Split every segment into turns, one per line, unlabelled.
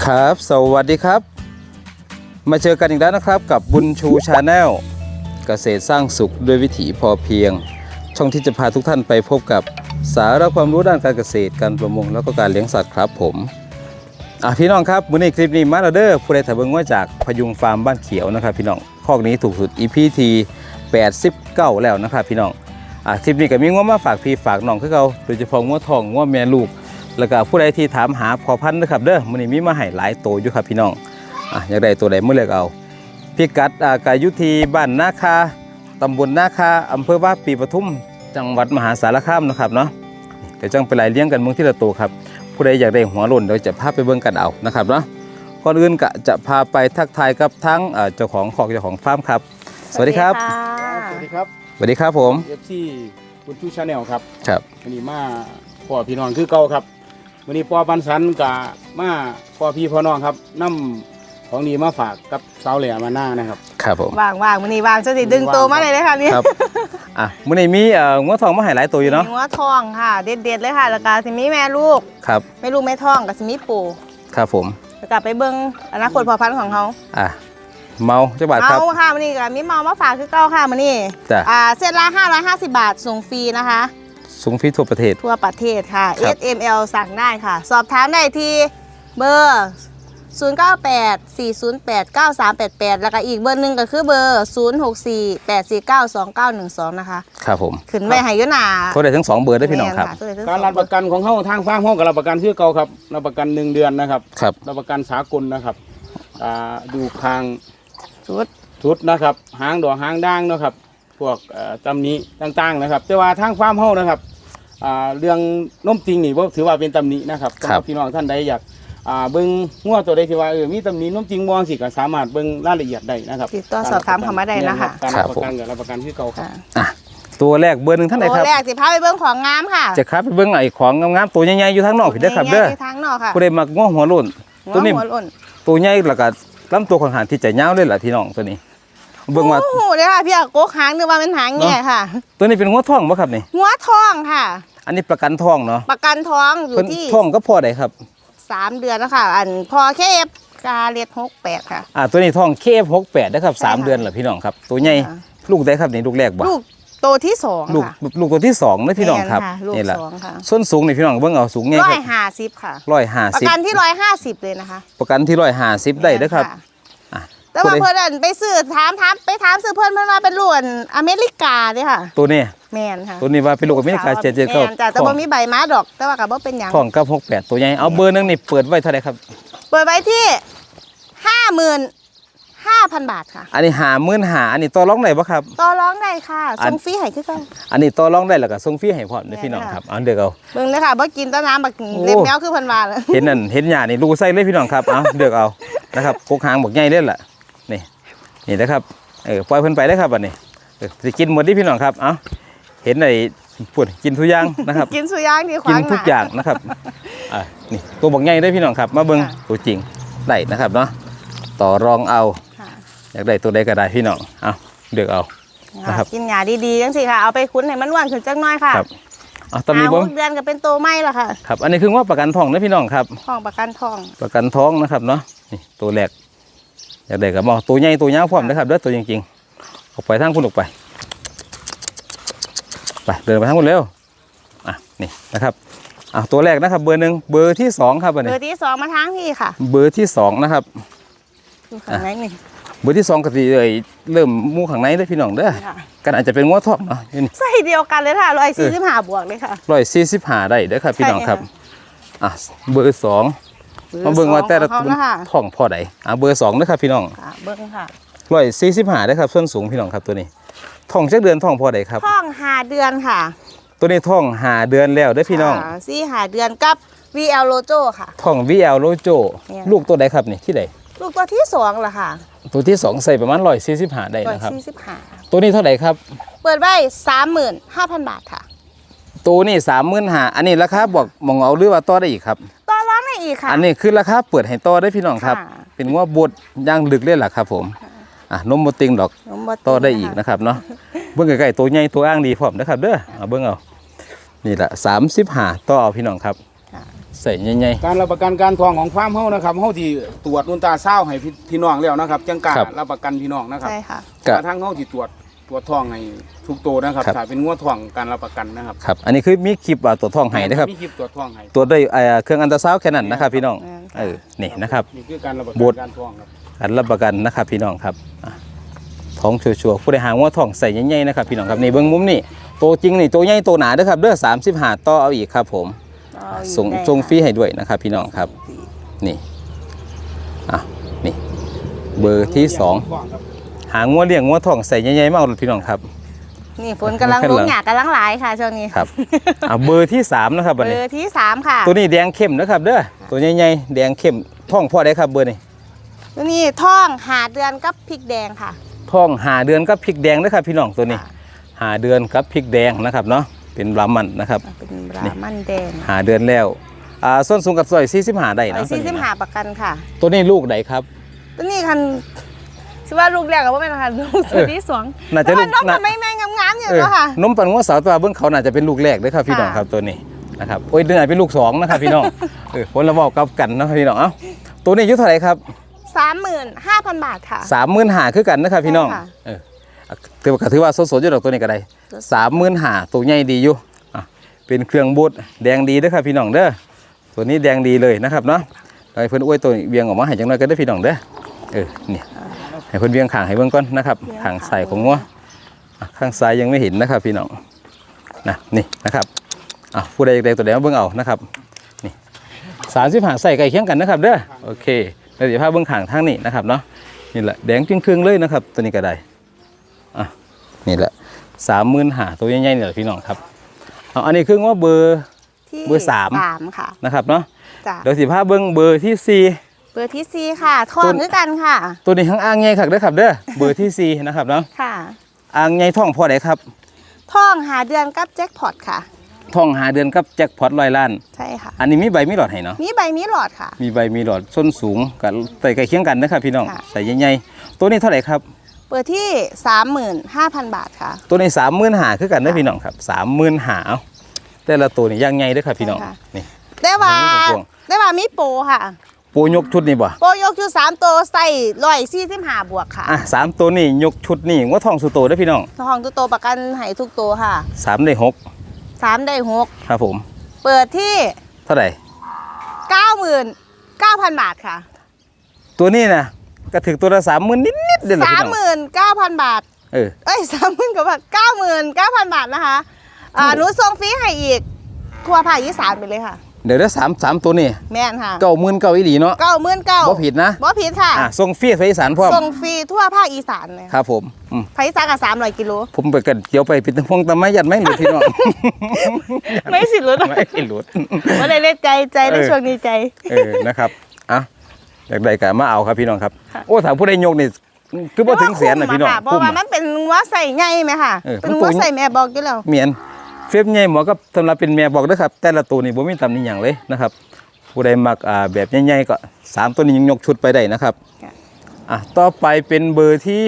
ครับสวัสดีครับมาเจอกันอีกแล้วนะครับกับบุญชูชาแนลเกษตรสร้างสุขด้วยวิถีพอเพียงช่องที่จะพาทุกท่านไปพบกับสาระความรู้ด้านการเกษตรการประมงแล้วก็การเลี้ยงสัตว์ครับผมพี่น้องครับมื้อนี้คลิปนี้มาแล้วเด้อผู้ใดถ่ายเบิ่งว่าจากพยุงฟาร์มบ้านเขียวนะครับพี่น้องคอกนี้ถูกสุด EP ที่89แล้วนะครับพี่น้องคลิปนี้ก็มีง้อมาฝากพี่ฝากน้องคือเก่าโดยเฉพาะง้อทองง้อแม่ลูกแล้วก็ผู้ใดที่ถามหาพอพันธุ์นะครับเด้อมื้อนี้มีมาให้หลายโตอยู่ครับพี่น้องอยากได้ตัวใดมื้อเลือกเอาพิกัดก็อยู่ที่บ้านนาคาตำบลนาคาอำเภอว่าปีปทุมจังหวัดมหาสารคามนะครับเนาะเดี๋ยวจังไปไล่เลี้ยงกันเมืองที่ละโตครับผู้ใดอยากได้หัวโล้นเดี๋ยวจะพาไปเบิ่งกันเอานะครับเนาะก่อนอื่นก็จะพาไปทักทายกับทั้งเจ้าของคอกเจ้าของฟาร์มครับสวัสดีครับ
สวัสดีครับ
สวัสดีครับผม
FC บุญชูชาแนลครับ
ครับ
วันนี้มาพ่อพี่น้องคือเก่าครับวันนี้พ่อปันสันกับมาพ่อพี่พ่อน้องครับนำของดีมาฝากกับสาวแหล่มาหน้านะครับ
ครับผม
ว่างวันนี้ว่างจะสิดึงตัวมาเลยค่ะนี่
ครับมื้อนี้มีงัวทองมาให้หลายตัวอยู่เนาะ
มีงัวทองค่ะเด็ดๆเลยค่ะแล้วก็สิมีแม่ลูก
ครับ
แม่ลูกแม่ทองกับสิมีปู่
ครับผม
แล้วก็ไปเบิ่งอนาคตพ่อพันธุ์ของเขา
เมาเจ้าบาทครับ
เมาค่ะมื้อนี้ก็มีเมามาฝากคือเก่าค่ะมื้อนี้เส้นละ550 บาทส่งฟรีนะคะ
ส่งฟรีทั่วประเทศ
ค่ะ SML สั่งได้ค่ะสอบถามได้ที่เบอร์0984089388แล้วก็อีกเบอร์หนึ่งก็คือเบอร์0648492912นะคะ
ครับผม
ขึ้นไว้ให้อยู่หน้า
โทรได้ทั้ง2เบอร์ได้พี่น้องครับ
การรับประกันของเขาทางฟาร์มเขากับรับประกันชื่อเก่าครับรับประกัน1 เดือนนะครับ
ครับ
รับประกันสากลนะครับดูคางชุดนะครับหางดอกหางด่างนะครับพวกตำหนิต่างๆนะครับแต่ว่าทางฟาร์มเขานะครับเรื่องนมจริงนี่ว่าถือว่าเป็นตำหนินะครับสำหรับพี่น้องท่านใดอยากเบิ้งงัวตัวใดที่ว่ามีตำหนินมจริงมองสิก็สามารถเบิ้งรายละเอียดได้นะครับ
ติดต่อสอบถามเข้ามาได้นะคะ
การรับประกันกับรับประกันที่เก่าครับ
ตัวแรกเบอร์ 1ท่านไหนครับ
ตัวแรกสิพาไปเบิ้งของงามค่ะ
จะครับไปเบิ้งไอ้ของงามๆตัวใหญ่ๆอยู่ทางนอกพี่เด้อครับเด้อ
ทางนอกค่ะ
ผู้ใดมักงัวหัวโล้นตัวนี้ตัวใหญ่แล้วก็ลำตัวค่อนข้างที่จะยาวเลยล่ะพี่น้องตัวนี้เบิ่งว่า
โอ้โหเด้อค่ะพี่โกกหางนึกว่าเป็นหางแง่ค่ะ
ตัวนี้เป็นงัวทองบ่ครับนี่
งัวทองค่ะ
อันนี้ประกันทองเนาะ
ประกันท้องอยู่ที่
ทองก็พอได้ครับ
3 เดือนแล้วค่ะอันพอเคฟกาเลียด68ค่ะ
ตัวนี้ทองเคฟ68นะครับ3 เดือนแล้วพี่น้องครับตัวใหญ่ลูกได้ครับนี่ลูกแรกบ่
ลูกโตที่2
ลูกตัวที่2นะพี่น้องครับ
นี่แหละ
ส้นสูงนี่พี่น้องเบิ่งเอาสูงไงครับ
150ค่ะ
150
ประกันที่150เลยนะคะ
ประกันที่150ได้เด้อครับ
แต่ว่าเพื่อนไปซื้อไปถามซื้อเพื่อนมาเป็นลูกอเมริกาเด้ค่ะ
ตัวนี้
แม่นค่ะ
ตัวนี้ว่าเป็นลูกอเมริกา
779แต่บ่มีใบม้าดอกแต่ว่าก็บ่เป็นหยัง
ทองกับ68ตัวใหญ่เอาเบอร์นึงนี่เปิดไว้เท่าไหร่ครับ
เปิดไว้ที่ 55,000 บาทค่ะ
อันนี้55,000อันนี้ต่อรองได้บ่ครับ
ต่อรองได้ค่ะส่งฟรีให้คือกัน
อันนี้ต่อรองได้แล้วก็ส่งฟรีให้พร้อมพี่น้องครับเอาเด้อเอา
เบิ่งเลยค่ะบ่กินต้นน้ำบักเล็บแมวคือเพิ่นว่า
เห็นนั่นเห็นหญ้านี่ลูกใส่เลยพี่น้องครับเอาเด้อเอานะครับกกหางบักใหญ่เด้อล่ะนี่นะครับปล่อยเพิ่นไปได้ครับอันนี้สิกินหมดดิพี่น้องครับเอาเห็นไอ้พูดกินทุกอย่างนะครับ
กินทุกอย่างที่ขวาง
กินทุกอย่างนะครับนี่ตัวบักใหญ่ได้พี่น้องครับมาเบิ่งตัวจริงได้นะครับเนาะต่อรองเอาอยากได้ตัวใดก็ได้พี่น้องเอาเลือกเอานะครับ
กินหญ้าดีๆจังสิค่ะเอาไปคุ้นให้มันอ้วนขึ้นจักหน่อยค่ะ
ครับตอนนี้บ่
เดือนก็เป็นโตใหม่ละค่ะ
ครับอันนี้คือว่าประกันทองนะพี่น้องครับ
ทองประกันทอง
นะครับเนาะนี่ตัวแรกอยากได้กับตัวใหญ่ตัวยาวพร้อมนะครับเด้อตัวจริงๆออกไปทางคุณออกไปเดินไปทางคุณเร็วนี่นะครับตัวแรกนะครับเบอร์ 1เบอร์ที่2ครับอันนี้
เบอร์ที่2มาทางพี่ค่ะ
เบอร์ที่2นะครับ
ข้างในนี่
เบอร์ที่2ก็สิเริ่มมูข้างในเด้อพี่น้องเด้อกันอาจจะเป็นงัวทองเนาะ
ใส่เดียวกันเลยค่ะ145บวกเลยค่ะ
145ได้เด้อครับพี่น้องครับเบอร์2มาเบิ่งว่าแต่ละท้องพอใดเบอร์2นะครับพี่น้อง
เบิ่งค่ะ
145ได้ครับส่วนสูงพี่น้องครับตัวนี้ท้องจักเดือนท้องพอใดครับ
ท้อง5 เดือนค่ะ
ตัวนี้ท้อง5 เดือนแล้วได้พี่น้อง
5 เดือนกับ VL Lojo ค่ะ
ท้อง VL Lojo ลูกตัวใดครับนี่ที่ใด
ลูกตัวที่2ล่ะค่ะ
ตัวที่2ใส่ประมาณ145ได้นะครับ
145
ตัวนี้เท่าไหร่ครับ
เปิดไว้ 35,000 บาทค่ะ
ตัวนี้35,000อันนี้ราคาบอกมองเอาหรือว่าต่อได้อีกครับ
ต่อรองได้อีกค่ะ
อันนี้คือราคาเปิดให้ต่อได้พี่น้องครับเป็นว่าบดย่างลึกเลยล่ะครับผมนมบ่ติงดอกต่อได้อีกนะครับเนาะเบิ่งใกล้ๆตัวใหญ่ตัวอ้างดีพร้อมนะครับเด้อเบิ่งเอานี่แหละ35ต่อเอาพี่น้องครับใส่ใหญ่
การรับประกันการทองของฟาร์มเฮานะครับเฮาที่ตรวจอุลตราซาวด์ให้พี่น้องแล้วนะครับจังกล้ารับประกันพี่น้องนะครับ
ใช่ค่ะ
ๆก็
ทางเฮาที่ตรวจทองให้ทุกตัวนะครับ
ครับ
ถ้าเป็นงัวทองการรับประกันนะครับ
ครับอันนี้คือมีคลิปตัวจทองให้นะครับ
มีคลิปตรวจทองให้
ตัวจด้วยเครื่องอันตราซาวด์แค่นั้นนะครับพี่น้องนี่นะครับ
นี่คือการรับประ
บ
กั
ด
นการทองครับ
อันรับประกันนะครับพี่น้องครับท้องชัวร์ๆผู้ใดหาว่าท้องใส่ใหญ่ๆนะครับพี่น้องครับนี่เบิ้งมุมนี่โตจริงนี่โตใหญ่โตหนาเด้อครับเด้อ35ต่อเอาอีกครับผมส่งฟรีให้ด้วยนะครับพี่น้องครับนี่นี่เบอร์ที่2หางัวเลี้ยงงัวท้องใส่ใหญ่ๆมาเอาพี่น้องครับ
นี่ฝนกำลังลงหยากำลังหลายค่ะช่วงนี้
ครับเบอร์ที่3นะครับบัด
เบ
นี้
อร์ที่3ค่ะ
ตัวนี้แดงเข้มนะครับเด้อตัวใหญ่ๆแดงเข้มท้องพ่อได้ครับเบอร์นี้
ตัวนี้ท่องหาเดือนกับพริกแดงค่ะ
ท้องหาเดือนกับพริกแดงนะครับพี่น้องตัวนี้หาเดือนกับพริกแดงนะครับเนาะเป็นบรามันนะครับ
เป็นบรามันแดง
หาเดือนแล้วส้นสูงกับซอย45ได้
ไอ้
นะ
ซีซิมหาประกันค่ะ
ตัวนี้ลูกไหนครับ
ตัวนี้คันชื่อว่าลูกแรกกับว่าเป็นค่ะลูกสุดที่สอง
น่าจะลูก
น้องมันไม่งามๆอยู่ก็ค่ะ
นมปันงัวสาวตัวเบิ้งเขาน่าจะเป็นลูกแรกเลยครับพี่น้องครับตัวนี้นะครับโอ้ยเดือนเป็นลูก2นะครับพี่น้องคนละบอกกับกันนะครับพี่น้องเอ้าตัวนี้อายุเท่าไหร่ครับ
35,000 บาทค่ะ
35,000คือกันนะครับพี่น้อง
ใช่ค่ะ
ถือว่าสดๆอยู่ดอกตัวนี้ก็ได้35,000ตัวใหญ่ดีอยู่เป็นเครื่องบูดแดงดีเด้อครับพี่น้องเด้อตัวนี้แดงดีเลยนะครับเนาะให้เพิ่นอวยตัวเวียงออกมาให้จังน้อยก็ได้พี่น้องเด้อนี่ให้เพิ่นเวียงข้างให้เบิ่งก่อนนะครับข้างซ้ายของงัวข้างซ้ายยังไม่เห็นนะครับพี่น้องนี่นะครับผู้ใดอยากได้ตัวใดมาเบิ่งเอานะครับนี่35ใส่ใกล้เคียงกันนะครับเด้อโอเคแล้วเดี๋ยวพาเบิ่งข้างทางนี้นะครับเนาะนี่แหละแดงจึงครึ่งเลยนะครับตัวนี้ก็ได้นี่แหละ35,000ตัวใหญ่ๆนี่แหละพี่น้องครับอันนี้คือว่าเบอร์3
ค่ะ
นะครับเนาะ
จ้ะ
เดี๋ยวสิพาเบิ่งเบอร์ที่4
เบอร์ที่4ค่ะท่องด้วยกันค่ะ
ตัวนี้ข้างอ่างใหญ่ครับเด้อครับเด้อเบอร์ที่4นะครับเนาะ
ค่ะ
อ่างใหญ่ท้องพอได้ครับ
ท่องหาเดือนกับแจ็คพอตค่ะ
ท้องหาเดือนกับแจ็คพอต100 ล้าน
ใช่ค่ะ
อันนี้มีใบมีหลอดให้เนาะ
มีใบมีหลอดค่ะ
มีใบมีหลอดส้นสูงกับใส่ใกล้เคียงกันนะครับพี่น้อง
ค่ะ
ใส่ใหญ่ๆตัวนี้เท่าไหร่ครับ
เบอร์ที่ 35,000 บาทค่ะ
ตัวนี้35,000คือกันนะพี่น้องครับ35,000เอาแต่ละตัวนี่ย่างใหญ่เด้อครับพี่น้อง
ใช่ค่ะ
นี่
ได้ว่า
พวง
ได้ว่ามีโปรค่ะ
ปูยกชุดนี่บ่
โปรยกอยู่3ตัวใส่145บวกค่ะ
3ตัวนี่ยกชุดนี่ว่าท้องสุโตเด้อพี่น้อง
ทองทุกตัวประกันให้ทุกตัวค่ะ
3ได้6
3ได้6
ครับผม
เปิดที่
เท่าไหร่
99,000 บาทค่ะ
ตัวนี้นะก็ถึงตัวละ30,000นิดๆเด้อพี่น้อง
39,000 บาท เอ้ย30,000กว่าบาท99,000 บาทนะคะหนูส่งฟรีให้อีกทั่วภาคอีสานไปเลยค่ะ
เดี๋ยว3ตัวนี่
แม่นค่ะ
99,000อีหลีเนาะ
99,000
บ่ผิดนะ
บ่ผิดค่ะ
ส่งฟรีไปอีสานพร้อม
ส่งฟรีทั่วภาคอีสานเลย
ครับผม
ภาคอีสานกับ300 กิโล
ผมไปกันเกี่ยวไปปิดพงตะไม้ยัดไม่หลุดพี่น้อง
ไม่สิรุด
ไม่หลุด
ว่าได้เล่นใจในช่วงนี้ใจ
นะครับอยากได้ก็มาเอาครับพี่น้องครับโอ้ถามผู้ใดยกนี่คือบ่ถึงแสนนะพี่น้อง
เพราะว่ามันเป็นวัวใส่ใหญ่ไหมค่ะเป็นวัวใส่แม่บอกอยู่แล้ว
เมียนเฟฟใหญ่หมอก็สำหรับเป็นแม่บอกเด้อครับแต่ละตัวนี่บ่มีตำหนิหยังเลยนะครับผู้ใดมักแบบใหญ่ๆก็3ตัวนี้ยังยกชุดไปได้นะครับต่อไปเป็นเบอร์ที่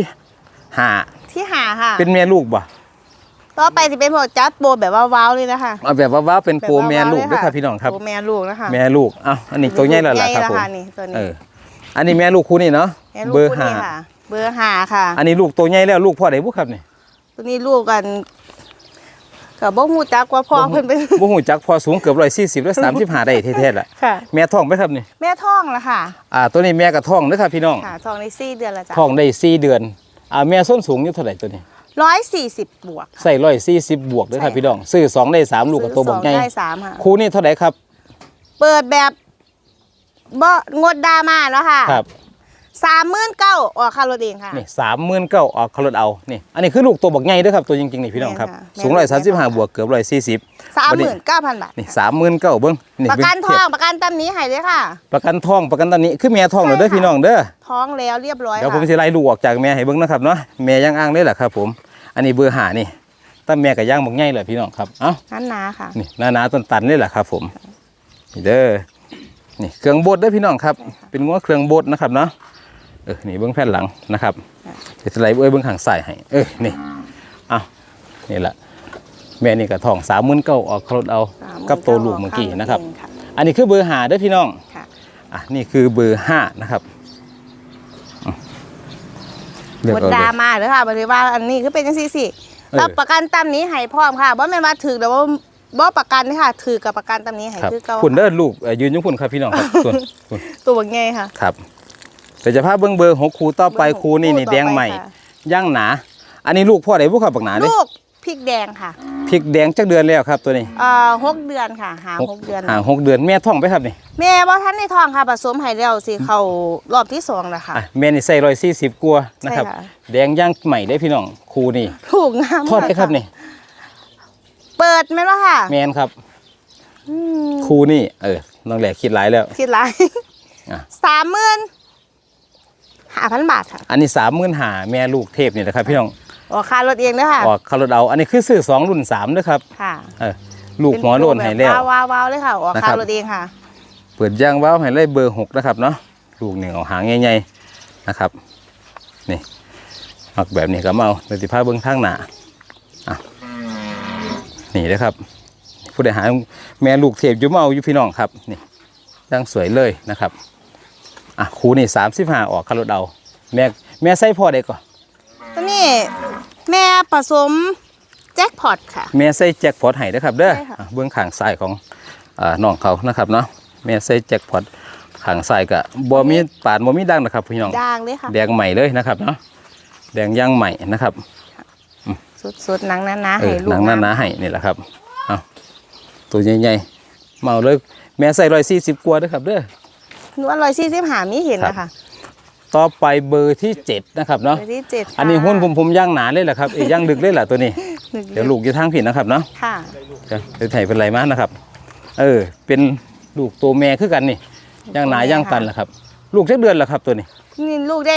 5
ที่หาค่ะ
เป็นแม่ลูกบ่
ต่อไปจะเป็นพวกจัดโบแบบว่าว้าวเลยนะคะ
เอาแบบว่าเป็นโปรแม่ลูกเด้อครับพี่น้องครับ
โบแม่ลูกนะคะ
แม่ลูกอันนี้ตัวใหญ่แล้วล่ะครับผม
นี่ตัวนี้
อันนี้แม่ลูกคู่นี่เนาะ
แม่ลูก
เบอร์
คู่นี้ค่ะเบอร์5ค่ะ
อันนี้ลูกตัวใหญ่แล้วลูกพ่อใดบุครับนี่
ตัวนี้ลูกกันกับบ่ฮู้จักว่าพ่อเพิ่นเป็น
บ่ฮู้จักพอสูงเกือบ140และ35ได้แท้ๆล่ะ
ค่ะ
แม่ท้องไหมครับนี่
แม่ท้องละค่ะ
ตัวนี้แม่ก็ท้องเด้อครับพี่น้อง
ค่ะท้องได้4 เดือนละจ้ะ
ท้องได้4 เดือนแม่ส้นสูงอยู่เท่าไหร่ตัวนี้
140 บวก
ใส่140บวกเด้อครับพี่น้องซื้อ2ได้3ลูกกับตัวบักใหญ่
ได้3ค่ะ
คู่นี้เท่าไหร่ครับ
เปิดแบบบ่งดดราม่าเนาะค่ะ
ครับ
39,000ออกค่ารถเองค่ะ
นี่39,000ออกเขารถเอานี่อันนี้คือลูกตัวบักใหญ่เด้อครับตัวจริงๆนี่พี่น้องครับ
แม่นค่ะ
สูง135บวกเกือบ140
39,000 บาท
นี่39,000เบิ่งนี่
ประกันทองประกันตำนี้ให้เลยค่ะ
ประกันท้องประกันตอนนี้คือแม่ท้องเหรอเด้อพี่น้องเด้อ
ท้องแล้วเรียบร้อย
เดี๋ยวผม
ค่ะ
จะไล่ลูกออกจากแม่ให้เบิ่งนะครับเนาะแม่ย่างอ้างได้แหละครับผมอันนี้เบอร์5นี่ตั้งแม่กับย่างบักใหญ่เลยพี่น้องครับ
นั่นนาค่ะ
นี่หนาๆตันๆนี่แหละครับผมนี่เด้อนี่เครื่องบดเด้อพี่น้องครับเป็นงัวเครื่องบดนะครับเนาะนี่เบื้องแผ่นหลังนะครับเดี๋ยวจะไล่เบื้องข้างซ้ายให้นี่นี่แหละแม่นี่กับทอง39,000ออกรถเอากับตัวลูกเมื่อกี้นะครับอันนี้คือเบอร์5เด้อพี่น้อง
ค่ะ
นี่คือเบอร์5นะครับเลือก
บด
เอาเล
ดาย มาเด้อค่ะบ่ได้ว่าอันนี้คือเป็นจังซี่สิ
เออ
รับประกันตามนี้ให้พร้อมค่ะบ่แม่นว่าถูกแต่ว่าบ่ประกันเด้อค่ะถือกับประกันตามนี้ให้
ครับ
คือเก่า
คุณเด้อลูกยืนอยุ่งคุณครับพี่น้องครับส่วนคุณ
ตัวบักใหญ่ค่ะ
ครับแต่จะพาเบิ้งเบอร์6คูต่อไปคูนี่
คู่ต่อ
แดงใหม่
ไปค่ะ
ย่างหนา อันนี้ลูกพ่อใดพวกขับบักหนาเด้
ลูกพริกแดงค่ะ
พริกแดงจักเดือนแล้วครับตัวนี้
6 เดือนค่ะหา6 เดือน
6 เดือนแม่ท้องไปครับนี่
แม่บ่ทันในท้องค่ะผสมให้แล้วสิเข้ารอบที่2แล้วค่ะ
แม่นี่ใส่140กว่านะครับ
ใช่ค่ะ
แดงย่างใหม่ได้พี่น้องคูนี่
ถูกงาม
ทอดได้ครับนี่
เปิดไหมล่ะค่ะ
แมนครับ
อืม
คูนี่น้องแหลกคิดหลายแล้ว
คิดหลาย
อ่ะ
35,000 บาทค่ะ
อันนี้35,000แม่ลูกเทพนี่แหละครับพี่น้อง
ออกค่ารถเองเด้อค่ะ
ออกคาร์ดเอาอันนี้คือซื้อ2รุ่น3ด้วยครับ
ค่ะ
ลูกหัวโลนให้แล้ว
ว้าวๆเลยค่ะออกค่ารถเองค่ะ
เปิดย่างว้าวให้เลยเบอร์6นะครับเนาะลูกหนึ่งเอาหางใหญ่ๆนะครับนี่มักแบบนี้ก็มาเอาเลยสิพาเบิ้งข้างหน้าอ่ะนี่นะครับ ผู้ใดหาแม่ลูกเทพอยู่มาเอาอยู่พี่น้องครับนี่ย่างสวยเลยนะครับครูนี่35ออกคาร์ดเอาแม่ใส่พ่อได้ก่อน
ตัวนี้แม่ผสมแจ็คพอตค่ะ
แม่ใส่แจ็คพอตให้นะครับเด้อ
ใช่ค่ะ
เบื้องข้างซ้ายของน้องเขานะครับเนาะแม่ใส่แจ็คพอตข้างซ้ายก็บ่มีปาดบ่มีดังนะครับพี่น้อง
ด่างเลยค่ะ
แดงใหม่เลยนะครับเนาะแดงย่างใหม่นะครับ
สุดๆหนังหนาๆให้ลูก
หนังหนาๆให้นี่แหละครับเอาตัวใหญ่ๆเมาเลยแม่ใส่140กว่าเด้อครับเด้อ
หนูว่า145มีเห็นนะคะ
ต่อไปเบอร์ที่7นะครับเนาะ
เบอร์ที่7
อันนี้หุ้นผมย่างหนาเลยแหละครับย่างดึกเลยแหละตัวนี้ เดี๋ยวลูกอยู่ทางผิดนะครับเนาะ
ค่ะ
เดี๋ยวไถเป็นไรมากนะครับ เป็นลูกตัวแม่คือกันนี่ย่างหนาย่างตันแหละครับ ลูกจักเดือนแหละครับตัวนี้
นี่ลูกได้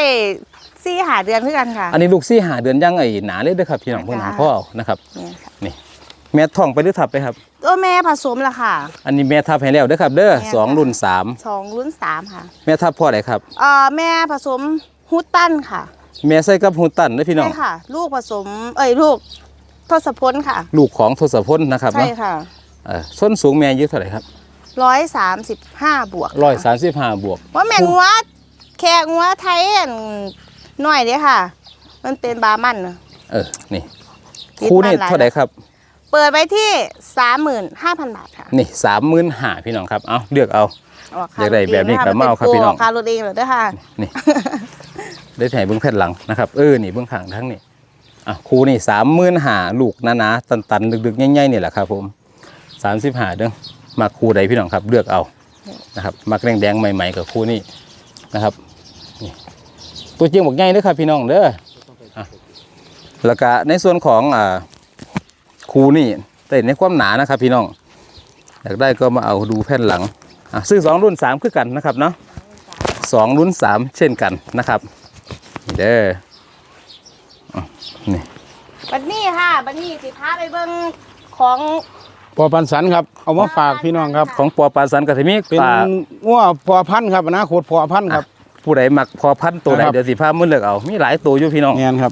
4-5 เดือนเพื่อกันค่ะ
อันนี้ลูก4-5เดือนย่างหนาเลยเด้อครับพี่น้องเพิ่นหาพ่อเอานะครับ
เนี่ยค่ะ
นี่แม่ท้องไปหรือทับไปครับ
ตัวแม่ผสมละค่ะ
อันนี้แม่ทับให้แล้วเด้อครับเด้อ
แม่
สอง
ค่ะ
รุ่น
2 รุ่น 3 ค่ะ
3แม่ทับพ่อไหนครับ
แม่ผสมฮูตตันค่ะ
แม่ใส่กับฮูตันเด้อพี่น้อง
ใช่ค่ะ ลูกผสมลูกทศพลค่ะ
ลูกของทศพลนะครับ
ใช่
เนาะ
ค่ะ
ส้นสูงแม่อายุเท่าไหร่ครับ
135 บวกค่ะ
135บวก
ว่าแม่นงัวแขกงัวไทยอันหน่อยเด้อค่ะ มันเป็นบามันน่ะ
นี่
คิด
คู่นี่
บ้านหลาย
เท่าไหร่ครับ
เปิดไว้ที่ 35,000 บาทค่ะ
นี่35,000พี่น้องครับเอาเลือกเอา
ออก
อยากได้แบบนี้ก็มาเอาครับพี่น้อง
คารถเองเหรอเด้อค่ะ
นี่ ได้ถ่ายเบื้องแผ่นหลังนะครับนี่เบื้องข้างทั้งนี่ครูนี่35,000ลูกหนาๆตันๆดึกๆง่ายๆนี่แหละครับผม35เด้อมาครูใดพี่น้องครับเลือกเอานะครับมักแดงๆใหม่ๆกับครูนี่นะครับนี่ตัวจริงบอกง่ายเด้อครับพี่น้องเด้อแล้วก็ในส่วนของครูนี่แต่ในความหนานะครับพี่น้องอยากได้ก็มาเอาดูแผ่นหลังซื้อ2รุ่น3คือกันนะครับเนาะ2รุ่น3เช่นกันนะครับนี่เด้อนี่
บัดนี้ค่ะบัดนี้สิพาไปเบิ่งของ
พอพันธุ์สันครับเอามาฝากพี่น้องครับ
ของปอปลาสันกับทิมิ
เป็น
ปลา
งัวพอพันธุ์ครับอนาคตพอพันธุ์ครับ
ผู้ใดมักพอพันธุ์ตัวใด
นะครับ
เดี๋ยวสิพามื้อเลือกเอามีหลายตัวอยู่พี่น้อง
แม่นครับ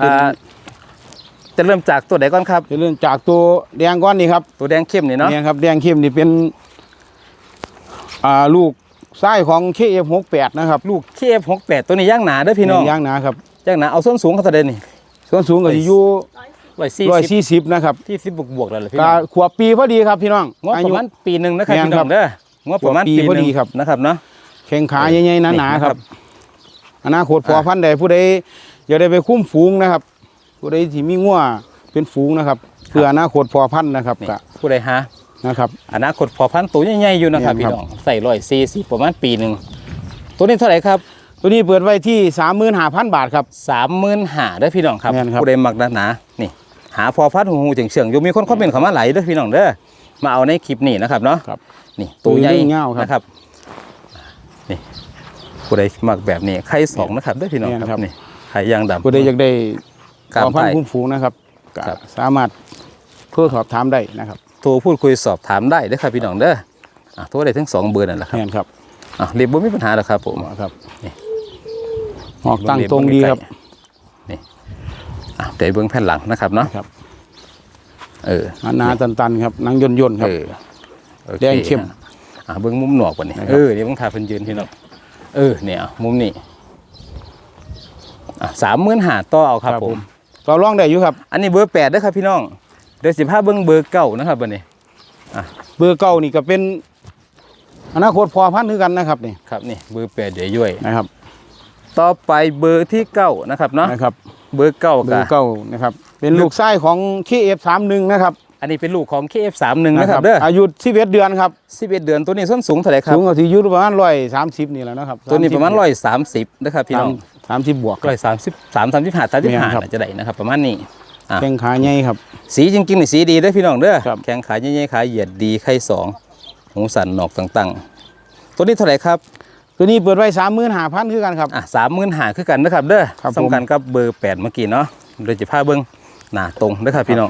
จะเริ่มจากตัวไหนก่อนครับ
เป็นเรื่องจากตัวแดงก้อนนี่ครับ
ตัวแดงเข้มนี่เนาะ
เนี่ยครับแดงเข้มนี่เป็นลูกไส้ของ KF68 นะครับ
ลูก KF68 ตัวนี้ย่างหนาเด้อพี่น้อง
ย่างหนาครับ
ย่างหนาเอาส้นสูงเขาเท่าใดนี่
ส่วนสูงก็จะอยู่
140
140นะครับ
ที่10บวกๆแล้วล่ะพี่
ก็
น้อง
ขวบปีพอดีครับพี่น้อง
งบประมาณปีหนึงนะครับ
แม่น
พี่น้
ครั
อบ งเด้องบประมาณ
ปี
ปี
พอ
หนึ
ดี
ง
ครับ
นะครับเนาะ
แข้งขาใหญ่ๆหนา
นี่
ๆ
นะ
ค
ครั
รับ บอนาคตพอพันธุ์ใดผู้ใดอยากได้ไปคุ้มฝูงนะครับ ผู้ใดที่มีงัวเป็นฝูงนะครับเพื่ออนาคตพอพันธุ์นะครับ
นี่
ก็
ผู้ใดหา
นะครับ
อนาคตพอพันธุ์ตัวใหญ่ๆอยู่นะครับ
แม่น
พี่
ครับ
น้องใส่140ประมาณปีหนึงตัวนี้เท่าไหร่ครับ
ตัวนี้เปิดไว้ที่ 35,000 บาทครับ
35,000เด้อพี่น้องครับ
แม่นครับ
ผู้ใดมักหนาๆนี่หาพอพัดหูเฉียงๆอยู่มีคนคอมเมนต์เข้ามาหลายเด้อพี่น้องเด้อมาเอาในคลิปนี้นะครับเนาะ
ครับ
นี่ตัวใหญ่
ตัวเงี้ยวครับ
นะครับนี่ผู้ใดมักแบบนี้ไข่2นะครับเด้อพี่น้อง
แม่น
ค
ครั
รับบ นี่ไข่ย่างดำ
ผู้ใดอยากได้
กล้าม
พอพัน
ไก่
ธุ์คุ้มฝูงนะครับก็
ครับ
สามารถเพื่อสอบถามได้นะครับ
โทรพูดคุยสอบถามได้เด้อครับพี่น้องเด้อโทรได้ทั้ง2เบอร์นั่นแหละครับ
แม่นครับ
เรียบบ่มีปัญหาหรอกครับผม
ครับ
นี่
ออกตั้งตรงดีครับ
นี่เดี๋ยวเบื้องแผ่นหลังนะครับเนาะ
ครับ
เออ
หนาๆตันๆครับหนังย่นๆครับ
โอค
แดงเข้ม
เบิ่งมุมหนวกกว่านี้เดี๋ยวเบิ่งทาเพิ่นยืนพี่น้องเนี่ยมุมนี้35,000ต่อเอาครับผม
ต่อรองได้อยู่ครับ
อันนี้เบอร์8เด้อครับพี่น้องเดี๋ยวสิพาเบิ่งเบอร์9นะครับบัดนี้
เบอร์เก่านี่ก็เป็นอนาคตพอพันธุ์คือกันนะครับนี่
ครับนี่เบอร์8เดี๋ยวย่อย
นะครับ
ต่อไปเบอร์ที่9นะครับเนาะ
นะครับ
เบอร์9
เบอร์เก่านะครับเป็นลูกไส้ของ KF31 นะครับ
อันนี้เป็นลูกของ KF31 นะครับเด้อ
อายุ11เดือนครับ
11เดือนตัวนี้ส้นสูงเท่าไหร่ครับ
สูงกว่าที่อยู่ประมาณ130นี่แหละนะครับ
ตัวนี้ประมาณ130นะครับพี่น้อง
30บวก
133 35 35
ครับ
น่าจะได้นะครับประมาณนี้
แข้งขาใหญ่ครับ
สีจริงๆนี่สีดีเด้อพี่น้องเด้อ
ครับ
แข้งขาใหญ่ๆขาเหยียดดีไข่สองหูสันหนอกต่างๆตัวนี้เท่าไหร่ครับ
ตัวนี้เปิดไว้35,000คือกันครับ
35,000คือกันนะครับเด้อ
ครับผม
สำคัญกับเบอร์8เมื่อกี้เนาะโดยจะพาเบิ่งหน้าตรงเด้อครับพี่น้อง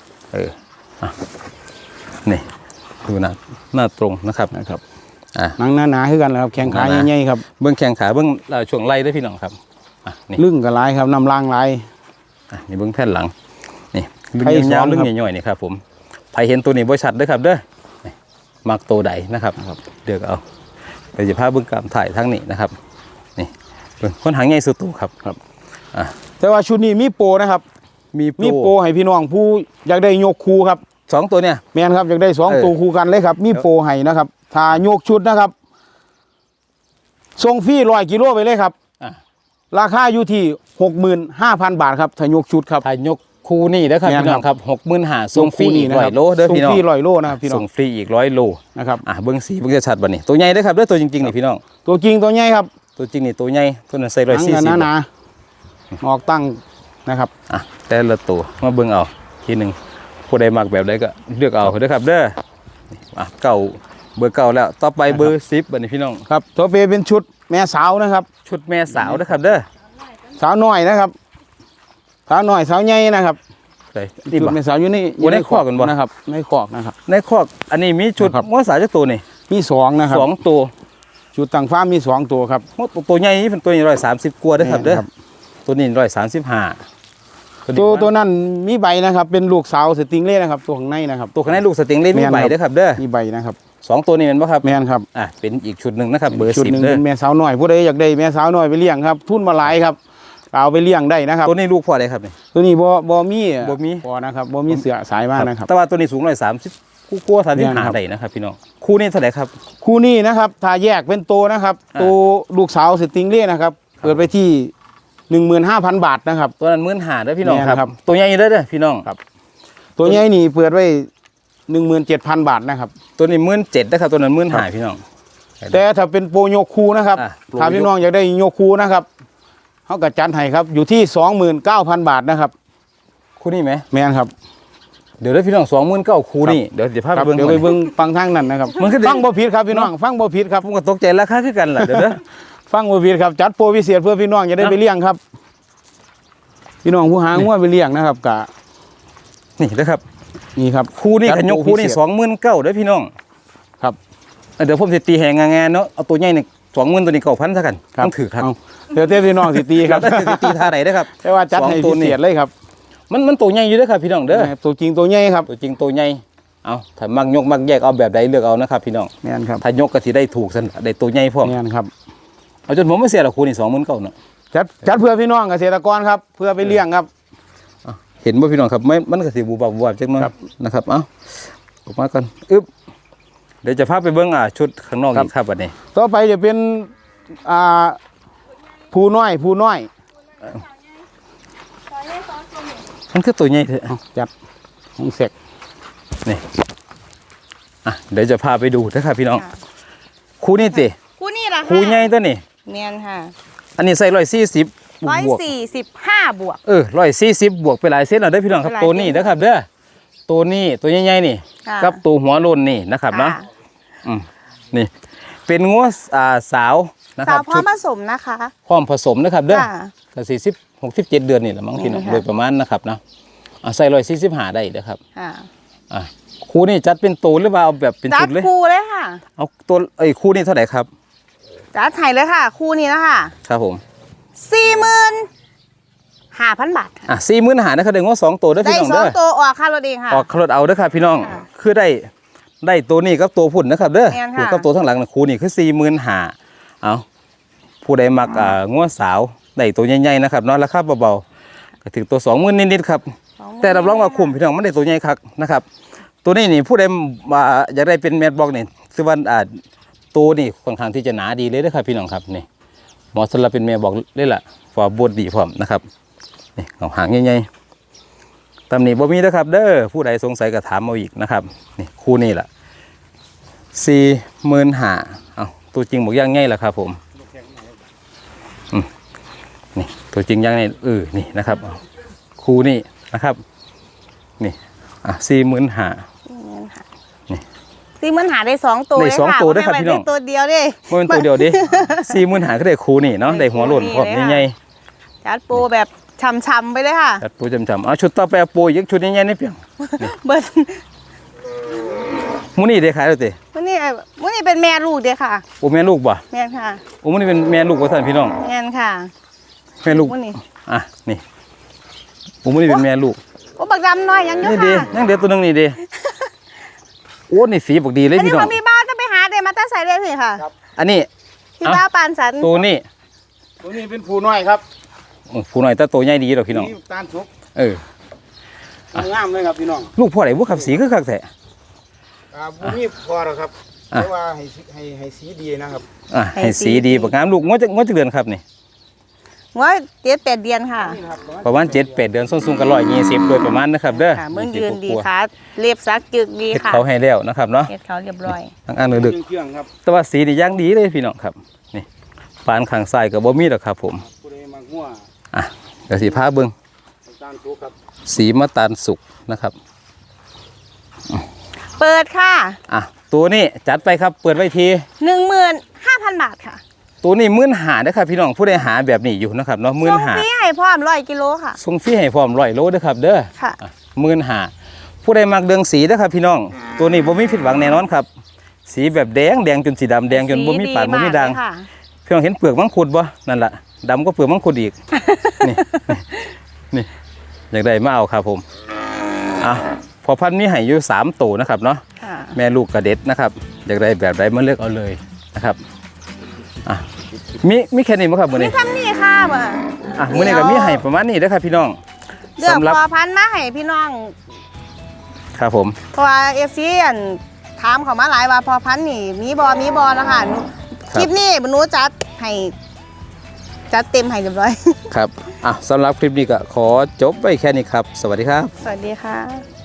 นี่ดูหน้าตรงนะครับ
นะครับ
ห
หนังหนาๆคือกันแหละครับแข้งขาใหญ่ๆครับ
เบื้องแข้งขาเบื้องช่วงไหล่ด้วยพี่น้องครับนี่
ลึ่งกับลายครับน้ำล่างลาย
นี่เบื้องแผ่นหลังนี่
ไข่
เบื้องยาว
ซ้อน
เรื่อง
ครับ
ใหญ่ๆนี่ครับผมใครเห็นตัวนี้บ่ชัดเด้อครับเด้อนี่มักตัวใดนะครับเดือกเอาเดี๋ยวจะพาเบื้องกามถ่ายทั้งนี้นะครับนี่เบื้องคนหางใหญ่สุดตัวครับ
แต่ว่าชุดนี้มีโปรนะครับ มีโปรให้พี่น้องผู้อยากได้ยกคูครับ
สองตัวเนี่ย
แม่นครับอยากได้2ตัวคู่กันเลยครับมีโปรให้นะครับถ้ายกชุดนะครับส่งฟรี100 กิโลไปเลยครับ ราคาอยู่ที่ 65,000 บาทครับถ้ายกชุดครับ
ถ่ายยกคูนี่เด้อครับ
แม่น
พี่น้องครับ60,000ส่งฟรีอีก
นะค
100 โลเด้อพี่น้อง
ส่งฟรี100 โลนะครับพี่น้อ
ส่
ง
งฟรีอีก100 โล
นะครับ
เบื้องสีเบื้องจะชัดบัดนี้ตัวใหญ่เด้อครับเด้อตัวจริงๆนี่พี่น้อง
ตัวจริงตัวใหญ่ครับ
ตัวจริงนี่ตัวใหญ่ตัวนั้นใส่
หนังกัน
140
หนาๆออกตั้งนะครับ
แต่ละตัวมาเบิ่งเอาทีหนึ่งผู้ใดมักแบบใดก็เลือกเอาเด้อครับเด้อนี่เก่าเบอร์เก่าแล้วต่อไปเบอร์10บัดนี้พี่น้อง
ครับตัวเปเป็นชุดแม่สาวนะครับ
ชุดแม่สาวเด้อครับเด้อ
สาวน้อยนะครับสาวน้อยสาวใหญ่นะครับ
ใส่
ชุดแม่สาวอยู่นี่
ในคอกกันบ่
นะครับในคอกนะครับ
ในคอกอันนี้มีชุด
ครับ
งัวสาวจักตัวนี่
มี2นะครับ
2ตัว
ชุดต่างฟ้าร์มมี2ตัวครับ
งัวตัวใหญ่นี่เป็นตัวนี้130กว่าเด้อครับเด้อ
ครับ
ตัวนี้135
ตัวนั้นมีใบนะครับ เป็นลูกสาวสติงเล่นะครับ ตัวข้างในนะครับ
ตัวข้างในลูกสติงเล่นมี
แม่น
ใบ
ครับ
เด้อครับเด้อ
มีใบนะครับ
2ตัวนี้แม่นบ่ครับ
แม่นครับ
เป็นอีกชุดหนึงนะครับเบอร์
ชุดหนึ่ง
10เด้อ
เป็นแม่สาวน้อยผู้ใดอยากได้แม่สาวน้อยไปเลี้ยงครับ ทุนมาหลายครับเอาไปเลี้ยงได้นะครับ
ตัวนี้ลูกพ่ออะไรครับนี่
ตัวนี้บ่มี
บ่มี
บ่นะครับบ่มีเสือสายมากนะครับ
แต่ว่าตัวนี้สูง130คู่กว่า
แม่นครับ
35ได้นะครับพี่น้องคู่นี้เท่าไหร่ครับ
คู่นี้นะครับถ้าแยกเป็นตัวนะครับ ตัวลูกสาวสติงเล่นะครับเปิดไปที่ 15,000 บาทนะครับ
ตัวนั้น15,000เด้อพี่น้อง
แม่น
ค
ครั
รับ บตัวใหญ่เด้อพี่น้อง
ครับ ตัวใหญ่นี่เปิดไว้ 17,000 บาทนะครับ
ตัวนี้17,000นะครับตัวนั้น15,000พี่น้อง
แต่ถ้าเป็นโปรโยคูนะครับ
โปร
ถ้าพี่น้องอยากได้โยคูนะครับเขาก็จัดให้ครับอยู่ที่ 29,000 บาทนะครับ
คู่นี้ไหม
แม่นครับ
เดี๋ยวเด้อพี่น้อง29,000คู่นี่เดี๋ยวจะพา
ค
ไป
รับ
เบิ่ง
เดี๋ยวไปเบิ่งฟังทางนั้นนะครับ
มันคือ
ฟังบ่ผิดครับพี่น้องฟังบ่ผิดครับ
ผมก็ตกใจราคาคือกันล่ะเดี๋ยวเด้อ
ฟังบ่ผิดครับจัดโปรพิเศษเพื่อพี่น้องจะได้ไปเลี้ยงครับ พี่น้องผู้หางัวไปเลี้ยงนะครับกะ
นี่เด้อครับ
นี่ครับ
คู่นี้ขยกคู่นี่
จัดโปรพิเศษ
29,000เด้อพี่น้อง
ครับ
เดี๋ยวผมสิตีแหงงานเนาะเอาตัวใหญ่นี่20,000ตัวนี้9,000ซะกันต้องถือครับ
เอาเดี๋ยวเต้พี่น้องสิตีครับ
แล้วสิตีท่าไหนเด้อครับ
แต่ว่าจัดให้
สองตัว
พิ
นี่
เศษเลยครับ
มันตัวใหญ่อยู่เด้อครับพี่น้องเด้อ
ตัวจริงตัวใหญ่ครับ
ตัวจริงตัวใหญ่เอาถ้ามักยกมักแยกเอาแบบใดเลือกเอานะครับพี่น้อง
แม่นครับ
ถ้ายกก็สิได้ถูกซั่นได้ตัวใหญ่พร้อม
แม่นครับ
เอาจนผมไม่เสียหรอกคู่นี่29,000เนาะ
จัดเพื่อพี่น้องเกษตรกรครับเพื่อไปเลี้ยงครับ
เห็นบ่พี่น้องครับไม่มันก็สิบูบจักหน่อย
ครับ
นะครับเอ้าออกมาก่อนอึ๊บเดี๋ยวจะพาไปเบิ่งชุดข้างนอกอีกครับบัดนี้
ต่อไปจะเป็นผู้น้อย
มันคือตัวใหญ่เถอะ
เอาจัดของเสก
นี่เดี๋ยวจะพาไปดูนะครับพี่น้องคู่นี้สิ
คู่นี่ล่ะค่ะ
คู่ใหญ่ตัวนี้
เนียนค่ะ
อันนี้ใส่140บวก
145 บวก
140บวกไปหลายเซนแล้วเด้อพี่น้องครับ
หลาย
ตัวนี้นะครับเด้อตัวนี้ตัวใหญ่ๆนี่
ค่ะ
กับตัวหัวโลนนี่นะครับเนาะ
ค่ะ
นี่เป็นงัวสาวนะค
สา
รั
ว
บ
พร้อมผสมนะคะ
พร้อมผสมนะครับเด้อ
ค่ะ
ก็67 เดือนนี่แหละมั้งพี่น้อง
ค่ะ
โดยประมาณนะครับเนาะใส่145ได้เด้อครับ
ค่ะ
คู่นี้จัดเป็นตัวหรือว่าเอาแบบเป็น
จั
ชุ
ด
ดเลย
คู่เลยค่ะ
เอาตัวคู่นี้เท่าไหร่ครับ
จัดไทยเลยค่ะ คู่นี้นะคะ
ครับผม
45,000 บาทค่ะ
45,000นะครับเดี๋ยวงัว2ตัวเด้อ
ได้
พี่น้อง
สอ
เด้
ง
อ
ตัวออกค่ารถเองค่ะ
ออกรถเอาเด้อครับพี่น้อง
ค่ะ
คือได้ได้ตัวนี้กับตัวพุ่นนะครับเด้อ
แม่น
คู่
ค่ะ
กับตัวทั้างหลังนะคู่นี่คือ45,000เอาผู้ใดมักงัวสาวได้ตัวใหญ่ๆนะครับเนาะราคาเบาๆก็ถึงตัว20,000นิดๆครับแต่รับรองว่าคุ้มพี่น้องมันได้ตัวใหญ่คักนะครับตัวนี้นี่ผู้ใดอยากได้เป็นแมทบอกนี่คือว่าตัวนี่ค่อนข้างที่จะหนาดีเลยนะครับพี่น้องครับนี่เหมาะสำหรับเป็นแม่บอกเลยล่ะฟอร์บดดีพร้อมนะครับนี่เอาหางใหญ่ๆตำหนิบ่มีนะครับเด้อผู้ใดสงสัยก็ถามเอาอีกนะครับนี่คู่นี่แหละ45,000เอาตัวจริงบอกย่างง่ายแหละครับผมนี่ตัวจริงย่างง่ายนี่นะครับเอาคู่นี่นะครับนี่45,000
40,000หาได้2ตัว
ได้สองตัวด้วยครับพี่น้อง
ได้ตัวเดียวเด้
บ่เป็นตัวเดียวดิ45,000ก็ได้คู่นี่เนาะได้หัวโล้นพร้อมใหญ่
จัดโปรแบบช่ำๆไปเลยค่ะ
ๆจัดปูจำๆเอาชุดต่อไปเอาปูอีกชุดใหญ่ๆนี่เพียง
เบิด
มื้อนี้ได้ขายแล้วติ
มื้อนี้เป็นแม่ลูกเด้อค่ะ
โอ้แม่ลูกบ่
แม่นค่ะ
โอ้มื้อนี้เป็นแม่ลูกว่าท่านพี่น้อง
แม่นค่ะ
แม่ลูก
มื้อนี้
อ่ะนี่โอ้มื้อนี้เป็นแม่ลูก
โอ้บักดำน้อยยังอยู่
นี่ดิ
ค่ะ
ยังเด็ดตัวหนึงนี่ดิโอ้นี่สีบักดีเลย
อันนี้
พี่น้อง
มันมีบ้านจะไปหาเดมาตั้งใส่เลยสิค่ะ
อันนี้
ที่บ้านปานสัน
ตัวนี้
ตัวนี้เป็นผู้น้อยครับ
ผู้น้อยแต่ตัวใหญ่ดีดอกพี่น้อง
นี่ตาลสุก
เออ
งามเลยครับพี่น้อง
ลูกพ่อไหนบ่ขับสีคือคักแท้
บ่มีพอหรอกครับ
อ่ะ
แต่ว่าให้สีดีนะครับ
อ่ะให้สีดีบักงามลูกงวดจะเดือนครับนี่
ว่า7-8 เดือนค่ะ
นี่นะครับ
ประมาณ7-8 เดือนส้นสูงกัน120โดยประมาณนะครับเด้อ
ค่ะมึงยืนดีค่ะเรียบซักจึกดี
เฮ็ด
ค่ะ
เขาให้แล้วนะครับเนาะ
เฮ็ดเขาเรียบร้อย
ทั้งอันดึก
เครื่องครับ
ๆแต่ว่าสีนี่ย่างดีเลยพี่น้องครับนี่ปานข้างซ้ายก็บ่มีดอกครับผม
ผู้ใดมักงัว
อ่ะเดี๋ยวสิพาเบิ่ง
ตาลสุกครับ
สีมะตาลสุกนะครับ
เปิดค่ะ
อ่ะตัวนี้จัดไปครับเปิดไว้ที
15,000 บาทค่ะ
ตัวนี้15,000นะครับพี่น้องผู้ใดหาแบบนี้อยู่นะครับเนาะ
ส่งฟรี
15,000
ให้พร้อม100 กิโลค่ะ
ส่งฟรีให้พร้อม100 โลเด้อครับเด้อ
ค่ะ
15,000ผู้ใดมักเดืองสีเด้อครับพี่น้อง ตัวนี้บ่มีผิดหวังแน่นอนครับ สีแบบแดงจนสีดำแดงจนบ่มีปานบ่มีด่าง
สีเลยค่ะ
พี่น้องเห็นเปลือกมังคุดบ่นั่นล่ะดำก็เปลือกมังคุดอีก นี่อยากได้มาเอาครับผมอ่ะพอพันธุ์มีให้อยู่3ตัวนะครับเนาะ
ค่ะ
แม่ลูกกระเด็ดนะครับอยากได้แบบใดมาเลือกเอาเลยนะครับอ่ะมีแค่นี้มั้งครับมื้อ
มี
นี้
ทำนี่ค่ะบ่
อ่ะมื้อนี้ก็มีให้ประมาณนี้เด้อครับพี่น้อง
เลือก
สำหรับ
พอพันธุ์มาให้พี่น้อง
ครับผม
เพราะว่า FC อันถามเขามาหลายว่าพอพันธุ์นี่มีบ่นะคะหนูคลิปนี้หนูจัดให้จัดเต็มให้เรียบร้อย
ครับอ่ะสำหรับคลิปนี้ก็ขอจบไว้แค่นี้ครับ สวัสดีครับ
สวัสดีค่ะ